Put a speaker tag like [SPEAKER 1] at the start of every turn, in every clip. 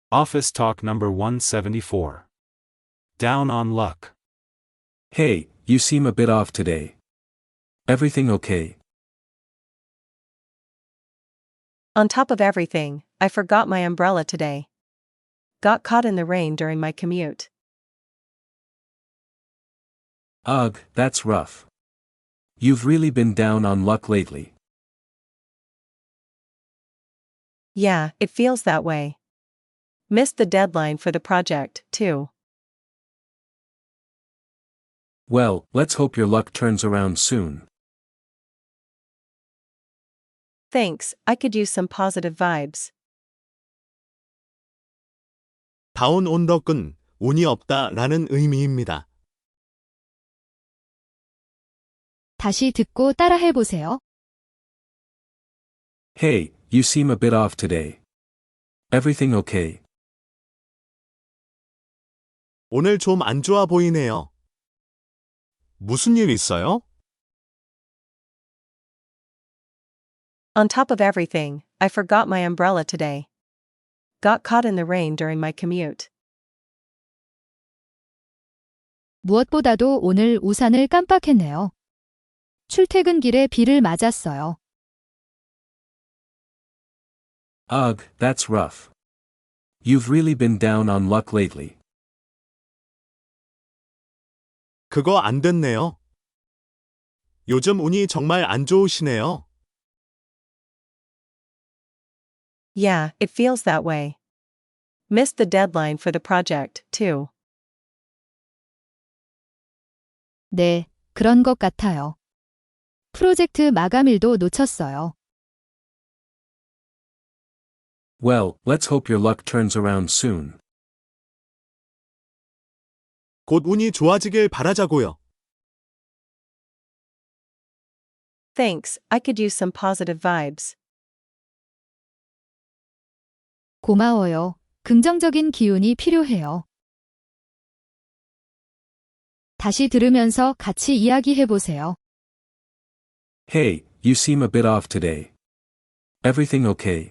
[SPEAKER 1] Office Talk number 174. Down on luck.
[SPEAKER 2] Hey, you seem a bit off today. Everything okay?
[SPEAKER 3] On top of everything, I forgot my umbrella today. Got caught in the rain during my commute.
[SPEAKER 2] Ugh, that's rough. You've really been down on luck lately.
[SPEAKER 3] Yeah, it feels that way. Missed the deadline for the project, too.
[SPEAKER 2] Well, let's hope your luck turns around soon.
[SPEAKER 3] Thanks, I could use some positive vibes.
[SPEAKER 4] 다운 온 덕은 운이 없다라는 의미입니다.
[SPEAKER 5] 다시 듣고 따라해보세요.
[SPEAKER 2] Hey, you seem a bit off today. Everything okay?
[SPEAKER 4] 오늘 좀 안 좋아 보이네요. 무슨 일 있어요?
[SPEAKER 3] On top of everything, I forgot my umbrella today. Got caught in the rain during my commute.
[SPEAKER 5] 무엇보다도 오늘 우산을 깜빡했네요. 출퇴근길에 비를 맞았어요.
[SPEAKER 2] Ugh, that's rough. You've really been down on luck lately.
[SPEAKER 4] 그거 안 됐네요. 요즘 운이 정말 안 좋으시네요.
[SPEAKER 3] Yeah, it feels that way. Missed the deadline for the project, too.
[SPEAKER 5] 네, 그런 것 같아요. 프로젝트 마감일도 놓쳤어요.
[SPEAKER 2] Well, let's hope your luck turns around soon.
[SPEAKER 4] 곧 운이 좋아지길 바라자고요.
[SPEAKER 3] Thanks, I could use some positive vibes.
[SPEAKER 5] 고마워요. 긍정적인 기운이 필요해요. 다시 들으면서 같이 이야기해보세요.
[SPEAKER 2] Hey, you seem a bit off today. Everything okay?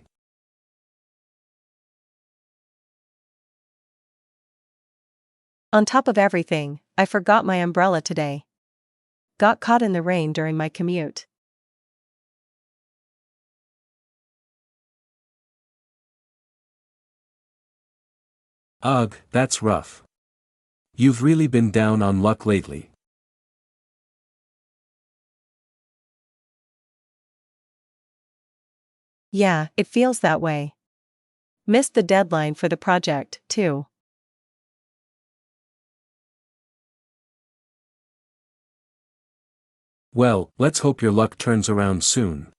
[SPEAKER 3] On top of everything, I forgot my umbrella today. Got caught in the rain during my commute.
[SPEAKER 2] Ugh, that's rough. You've really been down on luck lately.
[SPEAKER 3] Yeah, it feels that way. Missed the deadline for the project, too.
[SPEAKER 2] Well, let's hope your luck turns around soon.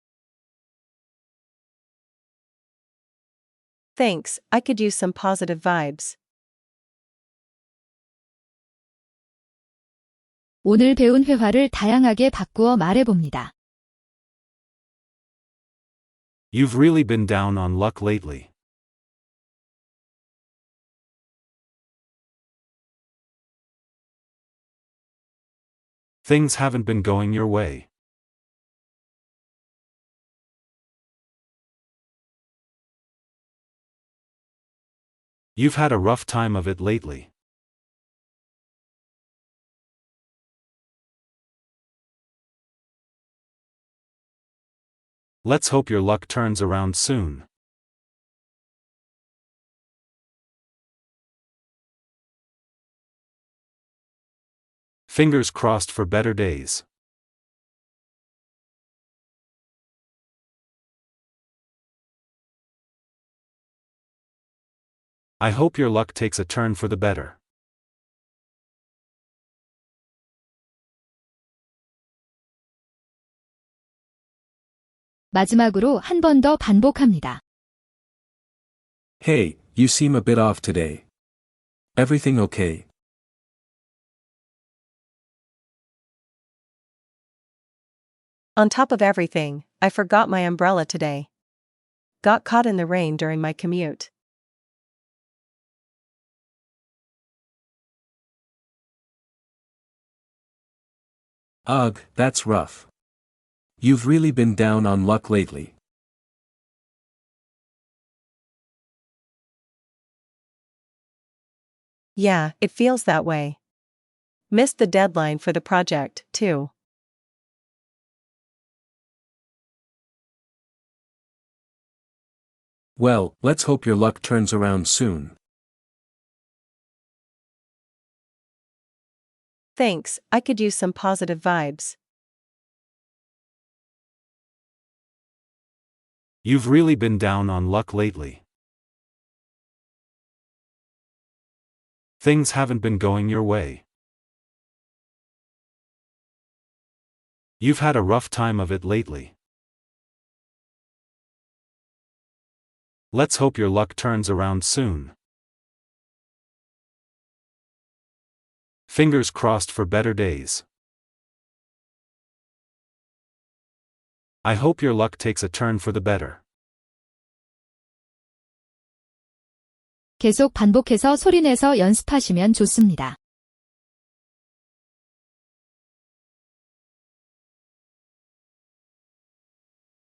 [SPEAKER 3] Thanks, I could use some positive vibes.
[SPEAKER 5] 오늘 배운 회화를 다양하게 바꾸어 말해봅니다.
[SPEAKER 1] You've really been down on luck lately. Things haven't been going your way. You've had a rough time of it lately. Let's hope your luck turns around soon. Fingers crossed for better days. I hope your luck takes a turn for the better.
[SPEAKER 5] 마지막으로 한 번 더 반복합니다.
[SPEAKER 2] Hey, you seem a bit off today. Everything okay?
[SPEAKER 3] On top of everything, I forgot my umbrella today. Got caught in the rain during my commute.
[SPEAKER 2] Ugh, that's rough. You've really been down on luck lately.
[SPEAKER 3] Yeah, it feels that way. Missed the deadline for the project, too.
[SPEAKER 2] Well, let's hope your luck turns around soon.
[SPEAKER 3] Thanks, I could use some positive vibes.
[SPEAKER 1] You've really been down on luck lately. Things haven't been going your way. You've had a rough time of it lately. Let's hope your luck turns around soon. Fingers crossed for better days. I hope your luck takes a turn for the better.
[SPEAKER 5] 계속 반복해서 소리내서 연습하시면 좋습니다.